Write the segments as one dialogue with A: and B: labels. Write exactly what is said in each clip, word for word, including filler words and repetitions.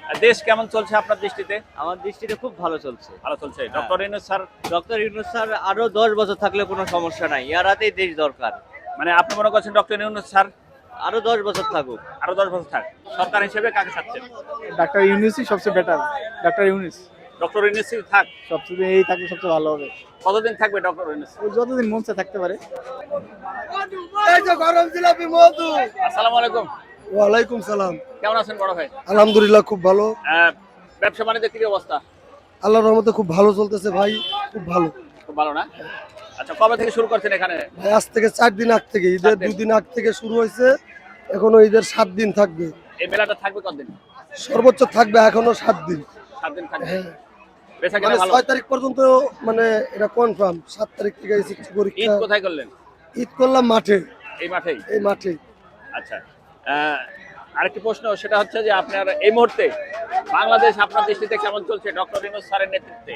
A: দেশ কেমন চলছে আপনার দৃষ্টিতে?
B: আমার দৃষ্টিতে খুব ভালো চলছে।
A: ভালো চলছে। Doctor Yunus sir
B: doctor Yunus sir আরো দশ বছর থাকলে কোনো সমস্যা নাই। ইয়ার হাতেই দেশ দরকার।
A: মানে আপনি মনে করছেন ডক্টর ইউনূস স্যার
B: আরো দশ বছর থাকুক।
A: আরো দশ বছর থাক। সরকার হিসেবে কাকে চাচ্ছেন?
C: ডাক্তার ইউনূসই সবচেয়ে বেটার। ডাক্তার ইউনূস
A: ডক্টর ইউনূসই থাক।
C: সবচেয়ে এই থাকলে সবচেয়ে ভালো হবে।
A: কতদিন থাকবে ডক্টর ইউনূস?
C: ও যতদিন মন চায় থাকতে পারে।
D: এই যে গরম জিলাপি মধু।
A: আসসালামু আলাইকুম।
D: ওয়ালাইকুম সালাম।
A: কেমন আছেন বড় ভাই?
D: আলহামদুলিল্লাহ খুব ভালো।
A: আহ, ব্যবসা বাণিজ্যের কি অবস্থা?
D: আল্লাহর রহমতে খুব ভালো চলতেছে ভাই, খুব ভালো।
A: খুব ভালো না? আচ্ছা, কবে থেকে শুরু করছেন এখানে?
D: ভাই আজ থেকে চার দিন আগ থেকে, ঈদের
A: চার দিন।
D: দুই দিন আগ থেকে শুরু হয়েছে, এখনো ঈদের সাত দিন থাকবে।
A: এই মেলাটা থাকবে কতদিন?
D: সর্বোচ্চ থাকবে এখনো সাত দিন।
A: সাত দিন থাকবে।
D: হ্যাঁ।
A: বেচা
D: মানে
A: কিনা ভালো?
D: ছয় তারিখ পর্যন্ত, মানে এটা কনফার্ম। সাত তারিখ থেকে এসএসসি
A: ঈদ
D: পরীক্ষা।
A: কোথায় করলেন?
D: ঈদ করলাম মাঠে,
A: এই মাঠেই?
D: এই মাঠে।
A: আচ্ছা, আহ, আরেকটি প্রশ্ন, সেটা হচ্ছে যে আপনার এই মুহূর্তে বাংলাদেশ আপনার দৃষ্টিতে কেমন চলছে ডক্টর ইউনূস স্যারের নেতৃত্বে?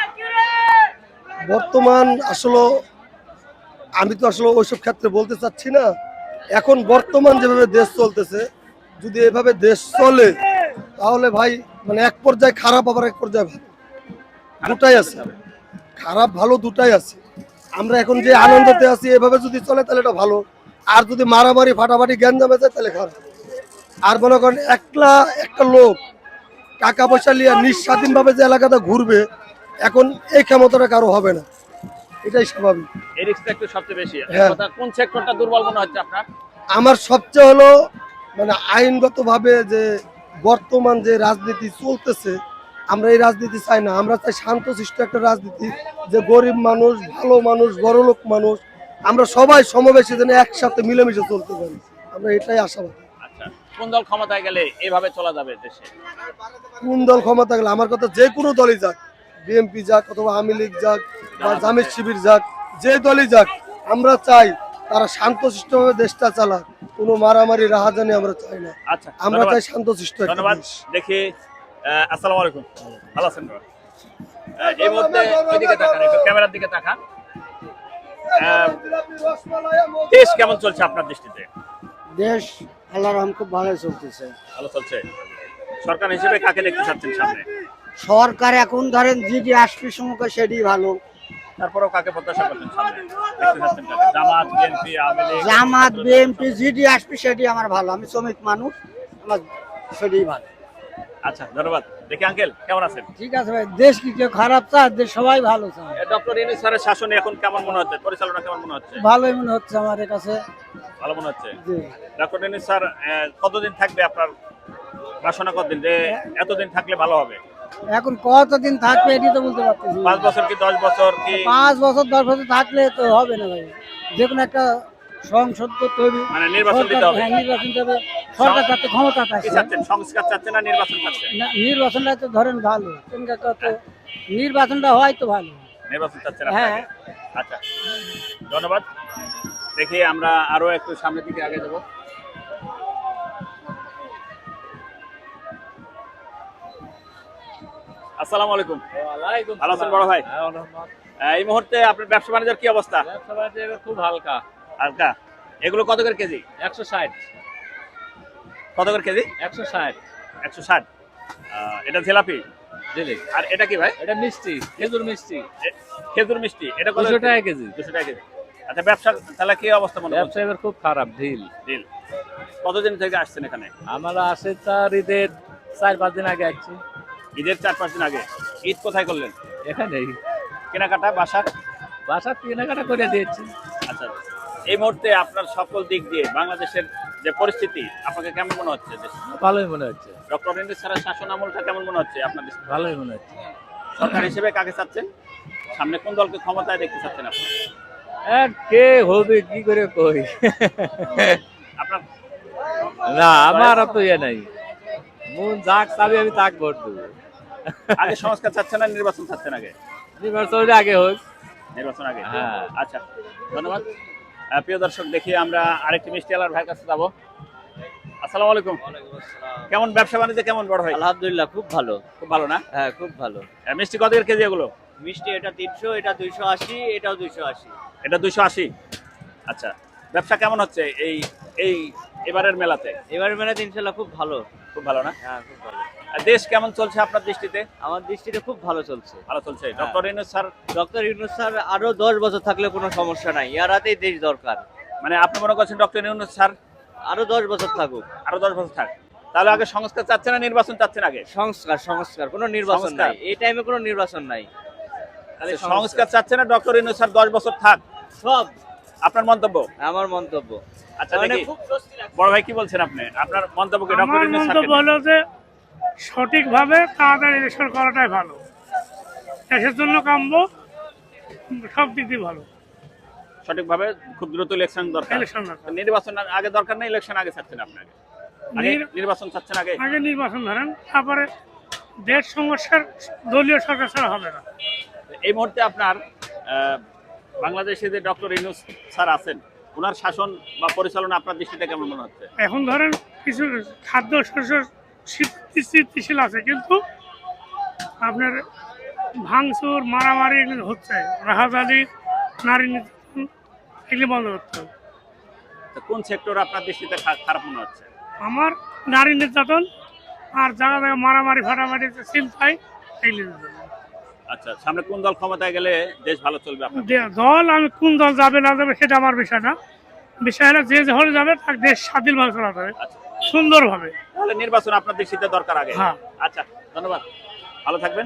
D: বর্তমান আসলে আমি তো আসলে ওইসব ক্ষেত্রে বলতে চাচ্ছি না। এখন বর্তমান যেভাবে দেশ চলতেছে, যদি এভাবে দেশ চলে তাহলে ভাই মানে এক পর্যায়ে খারাপ, আবার এক পর্যায়ে ভালো, দুটাই আছে। খারাপ ভালো দুটাই আছে। আমরা এখন যে আনন্দতে আছি, এভাবে যদি চলে তাহলে এটা ভালো। আর যদি মারামারি ফাটাফাটি জ্ঞান জমে যায় তাহলে খারাপ। আর মনে করেন একলা একটা লোক টাকা পয়সা নিয়ে নিঃস্বাধীনভাবে যে এলাকাটা ঘুরবে, এখন এই ক্ষমতাটা কারো হবে না, এটাই স্বাভাবিক।
A: এই রিস্কটা একটু সবচেয়ে বেশি।
D: হ্যাঁ।
A: কথা, কোন সেক্টরটা দুর্বল মনে হচ্ছে আপনার?
D: আমার সবচেয়ে হলো মানে আইনগতভাবে যে বর্তমান যে রাজনীতি চলতেছে, আমরা এই রাজনীতি চাই না। আমরা চাই শান্তশিষ্ট একটা রাজনীতি, যে গরিব মানুষ, ভালো মানুষ, বড়লোক মানুষ, আমরা সবাই সমবেশী যেন একসাথে মিলেমিশে চলতে পারি, আমরা এটাই আশাবাদী।
A: আচ্ছা, কোন দল ক্ষমতায় গেলে এভাবে চলা যাবে দেশে?
D: কোন দল ক্ষমতা গেলে, আমার কথা যে কোনো দলই যাক, বিএনপি যাক অথবা আওয়ামী লীগ যাক বা জামায়াত শিবির যাক, যে দলই যাক, আমরা চাই তারা শান্তশিষ্টভাবে দেশটা চালাক, কোনো মারামারি রাহাজানি আমরা চাই না।
A: আচ্ছা,
D: আমরা
A: ধন্যবাদ।
D: চাই শান্তশিষ্ট একটা
A: ধন্যবাদ।
D: দেশ।
A: দেখি, আহ, আসসালামু আলাইকুম। ভালো আছেন বাবা? আহ, এই মুহূর্তে ওইদিকে তাকান, একটু ক্যামেরার দিকে তাকান। আহ, দেশ কেমন চলছে আপনার দৃষ্টিতে?
E: দেশ আল্লাহর রহম খুব ভালো চলতেছে।
A: ভালো চলছে। সরকার হিসেবে কাকে দেখতে চাচ্ছেন সামনে?
E: সরকার এখন ধরেন জিডি আসবে সমুখে সেটি ভালো।
A: তারপরেও কাকে প্রত্যাশা করছেন সামনে? দেখতে চাচ্ছেন কাকে? জামাত, বিএনপি, আওয়ামী লীগ?
E: জামাত বিএনপি জিডি আসবে সেটি আমার ভালো। আমি শ্রমিক মানুষ, আমার সেটি ভালো।
A: আচ্ছা, ধন্যবাদ। দেখি আঙ্কেল, কেমন আছেন?
E: ঠিক আছে ভাই, দেশ কি কেউ খারাপ চায়? দেশ সবাই ভালো চায়।
A: ডক্টর ইউনূস স্যারের শাসনে এখন কেমন মনে হচ্ছে? পরিচালনা কেমন মনে হচ্ছে?
E: ভালোই মনে হচ্ছে আমার কাছে।
A: ভালো মনে হচ্ছে।
E: জি।
A: ডক্টর ইউনূস স্যার আহ, কতদিন থাকবে আপনার বাসনা? কতদিন, যে এতদিন থাকলে ভালো হবে?
E: এখন কতদিন থাকবে এটি তো বলতে পারতেছি না।
A: পাঁচ বছর কি দশ বছর কি?
E: পাঁচ বছর দশ বছর থাকলে তো হবে না ভাই। যে কোনো একটা সংসদ তো তৈরি,
A: মানে নির্বাচন দিতে হবে।
E: হ্যাঁ, নির্বাচন দেবে। সরকার চাচ্ছে, ক্ষমতা
A: কি
E: চাচ্ছে
A: চাচ্ছেন? সংস্কার চাচ্ছেন না নির্বাচন চাচ্ছেন?
E: না, নির্বাচনটা তো ধরেন ভালো। কিন্তু কত নির্বাচনটা হয় তো ভালো।
A: নির্বাচন চাচ্ছেন
E: হ্যাঁ।
A: আপনাকে? আচ্ছা, ধন্যবাদ। দেখি আমরা আরো একটু সামনের দিকে আগে যাবো। আসসালামু আলাইকুম। ভালো আছেন বড় ভাই? আহ, এই মুহূর্তে আপনার ব্যবসা বাণিজ্যের কি অবস্থা?
B: ব্যবসা বাণিজ্য খুব হালকা।
A: হালকা। এগুলো কত করে কেজি?
B: একশো ষাট।
A: কত করে কেজি?
B: একশো ষাট।
A: একশো ষাট। আহ, এটা জিলাপি।
B: দিলি।
A: আর এটা কি ভাই?
B: এটা মিষ্টি, খেজুর মিষ্টি।
A: এ- খেজুর মিষ্টি। এটা কত?
B: দুশো টাকা কেজি।
A: দুশো টাকা কেজি। আচ্ছা, ব্যবসা তাহলে কি অবস্থা মনে
B: ব্যবসা
A: হচ্ছে?
B: এবার খুব খারাপ, ঢিল।
A: ডিল। কতদিন থেকে আসছেন এখানে?
B: আমরা আসে তার ঈদের চার পাঁচ দিন আগে আসছি।
A: ঈদের চার পাঁচ দিন আগে। ঈদ কোথায় করলেন?
B: এখানেই
A: কেনাকাটা, বাসার?
B: বাসা কেনাকাটা করে দিয়েছি।
A: আচ্ছা, এই মুহূর্তে আপনার সকল দিক দিয়ে বাংলাদেশের যে পরিস্থিতি আপনাকে কেমন মনে হচ্ছে?
B: ভালোই মনে হচ্ছে।
A: ডক্টর ইউনূস স্যারের শাসন আমলটা কেমন মনে হচ্ছে আপনার দেশে?
B: ভালোই মনে হচ্ছে।
A: সরকার হিসেবে কাকে চাচ্ছেন? সামনে কোন দলকে ক্ষমতায় দেখতে চাচ্ছেন আপনি?
B: আর কে হবে কি করে কই?
A: আপনার
B: না, আমার তো ইয়ে নাই। মন যাক চাবি আমি তাক ভোট দেবো।
A: আগে সংস্কার চাচ্ছেন না নির্বাচন চাচ্ছেন আগে?
B: নির্বাচনের আগে হোক।
A: নির্বাচন আগে।
B: হ্যাঁ।
A: আচ্ছা, ধন্যবাদ। আহ, প্রিয় দর্শক, দেখি আমরা আরেকটি মিষ্টি আলার ভাইয়ের কাছে যাবো। আসসালামু আলাইকুম। কেমন ব্যবসা বাণিজ্য কেমন বড় ভাই?
B: আলহামদুলিল্লাহ খুব ভালো।
A: খুব ভালো না?
B: হ্যাঁ, খুব ভালো।
A: আহ, মিষ্টি কত করে কেজি এগুলো?
B: মিষ্টি এটা তিনশো, এটা দুইশো আশি, এটাও দুইশো আশি।
A: এটা দুইশো আশি। আচ্ছা, ব্যবসা কেমন হচ্ছে এই এই এবারের মেলাতে?
B: এবারে মেলাতে ইনশাল্লাহ খুব ভালো।
A: খুব ভালো না?
B: হ্যাঁ, খুব ভালো।
A: দেশ কেমন চলছে আপনার দৃষ্টিতে?
B: আমার দৃষ্টিতে খুব ভালো চলছে।
A: ভালো চলছে। Doctor Yunus sir
B: doctor Yunus sir আরো দশ বছর থাকলে কোনো সমস্যা নাই, এর হাতেই দেশ দরকার।
A: মানে আপনি মনে করছেন ডক্টর ইউনূস স্যার
B: আরো দশ বছর থাকুক।
A: আরো দশ বছর থাক, তাহলে আগে সংস্কার চাচ্ছেন না নির্বাচন চাচ্ছেন? আগে
B: সংস্কার সংস্কার কোনো নির্বাচন
A: সংস্কার?
B: নাই, এই টাইমে কোনো নির্বাচন নাই। খালি
A: আচ্ছা, সংস্কার চাচ্ছেন না ডক্টর ইউনূস স্যার দশ বছর থাক?
B: সব
A: আপনার মন্তব্য?
B: আমার মন্তব্য।
A: আচ্ছা
B: মানে
A: দেখি
B: খুব স্বস্তি লাগছে।
A: বড় ভাই কি বলছেন আপনি? আপনার মন্তব্য কি ডক্টর
F: আমার
A: ইউনূস
F: মন্তব্য
A: স্যারকে?
F: হলো যে সঠিকভাবে তাড়াতাড়ি ইলেকশন করাটাই ভালো, দেশের জন্য কাম্য, সব দিক দিয়ে ভালো।
A: সঠিকভাবে খুব দ্রুত ইলেকশন দরকার।
F: ইলেকশন দরকার।
A: নির্বাচন আগে দরকার না, ইলেকশন আগে চাচ্ছেন আপনাকে? আগে
F: নির-
A: নির্বাচন চাচ্ছেন আগে?
F: আগে নির্বাচন ধরেন, তারপরে দেশ সমস্যার দলীয় সরকার ছাড়া হবে না।
A: এই মুহূর্তে আপনার আহ, বাংলাদেশে যে ডক্টর ইউনূস স্যার আছেন, ওনার শাসন বা পরিচালনা আপনার দৃষ্টিতে কেমন মনে হচ্ছে?
F: এখন ধরেন কিছু খাদ্য শস্য স্থিতি- স্থিতিশীল আছে, কিন্তু আপনার ভাঙচুর মারামারি এগুলো হচ্ছে, রাহাজানি, নারী নির্যাতন, এগুলি বন্ধ করতে হবে।
A: তো কোন সেক্টর আপনার দৃষ্টিতে খা- খারাপ মনে হচ্ছে?
F: আমার নারী নির্যাতন আর জায়গা জায়গা মারামারি ফাটামারি চিন্তায় এগুলি নির্যাতন।
A: আচ্ছা, সামনে কোন দল ক্ষমতায় গেলে দেশ ভালো চলবে আপনার?
F: দে- দল আমি কোন দল যাবে না যাবে সেটা আমার বিষয় না, বিষয় হলো যে যে হলে যাবে তার দেশ স্বাধীনভাবে চালাতে হবে,
A: আচ্ছা,
F: সুন্দরভাবে।
A: তাহলে নির্বাচন আপনার দৃষ্টিতে দরকার আগে?
F: হ্যাঁ।
A: আচ্ছা, ধন্যবাদ, ভালো থাকবেন।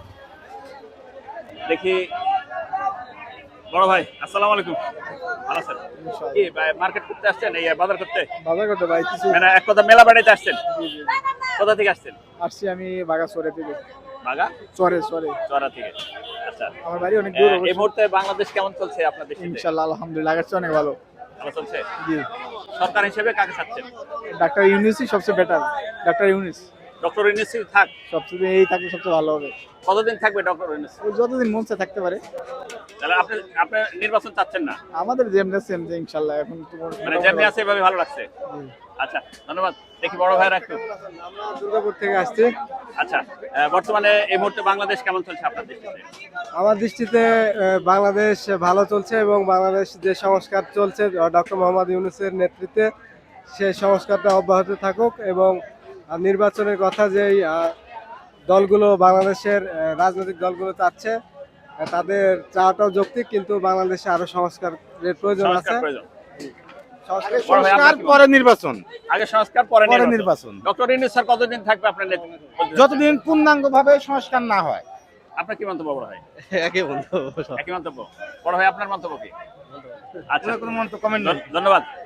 A: দেখি বড় ভাই, আসসালামু আলাইকুম। ভালো আছেন? কি মার্কেট করতে আসছেন, এই বাজার করতে?
C: বাজার করতে ভাই কিছু
A: মানে এক কথা মেলা বেড়াইতে আসছেন? কোথা থেকে আসছেন?
C: আসছি আমি বাগা চরে থেকে।
A: বাগা
C: চরে চরে
A: চড়া থেকে। আচ্ছা,
C: আমার বাড়ি অনেক দূর
A: আহ, এই
C: অবশ্য।
A: মুহূর্তে বাংলাদেশ কেমন চলছে আপনার দৃষ্টিতে?
C: ইনশাল্লাহ আলহামদুলিল্লাহ আগের চেয়ে অনেক ভালো।
A: ভালো চলছে।
C: জি,
A: সরকার হিসেবে কাকে চাচ্ছেন?
C: ডাক্তার ইউনিসই সবচেয়ে better. Doctor Yunus
A: doctor Yunus থাক।
C: সবচেয়ে এই থাকলে সবচেয়ে ভালো হবে।
A: কতদিন থাকবে ডক্টর ইউনূস?
C: ও যতদিন মন চায় থাকতে পারে।
A: তাহলে আপনি আপনি নির্বাচন চাচ্ছেন না?
C: আমাদের যেমন সেম যে ইনশাল্লাহ এখন তো
A: মানে যেমনি আছে এভাবে ভালো লাগছে? আচ্ছা, ধন্যবাদ। দেখি বড় ভাইরা একটু।
C: আমরা দুর্গাপুর থেকে আসছি।
A: আচ্ছা, আহ, বর্তমানে এই মুহূর্তে বাংলাদেশ কেমন চলছে আপনার দৃষ্টিতে?
G: আমার দৃষ্টিতে আহ, বাংলাদেশ ভালো চলছে এবং বাংলাদেশ যে সংস্কার চলছে ডক্টর মোহাম্মদ ইউনূসের নেতৃত্বে সেই সংস্কারটা অব্যাহত থাকুক এবং আহ, নির্বাচনের কথা যেই আহ, দলগুলো বাংলাদেশের আহ, রাজনৈতিক দলগুলো চাচ্ছে আহ, তাদের চাওয়াটাও যৌক্তিক, কিন্তু বাংলাদেশে আরো সংস্কারের প্রয়োজন আছে।
A: সংস্কার প্রয়োজন।
G: সংস্কার-
A: বড় ভাই, আপনার কি মত?
G: পরে নির্বাচন
A: আগে সংস্কার পরে
G: পরে
A: নির্বাচন।
G: নির্বাচন।
A: ডক্টর ইউনূস স্যার কতদিন থাকবে আপনার নেতৃত্বে?
G: যতদিন পূর্ণাঙ্গ ভাবে সংস্কার না হয়।
A: আপনার কি মন্তব্য বড় ভাই?
G: একই বন্ধু
A: একই মন্তব্য। বড় ভাই আপনার মন্তব্য কি? আচ্ছা,
G: কোনো মন্তব্য কমেন্ট
A: ধন্যবাদ।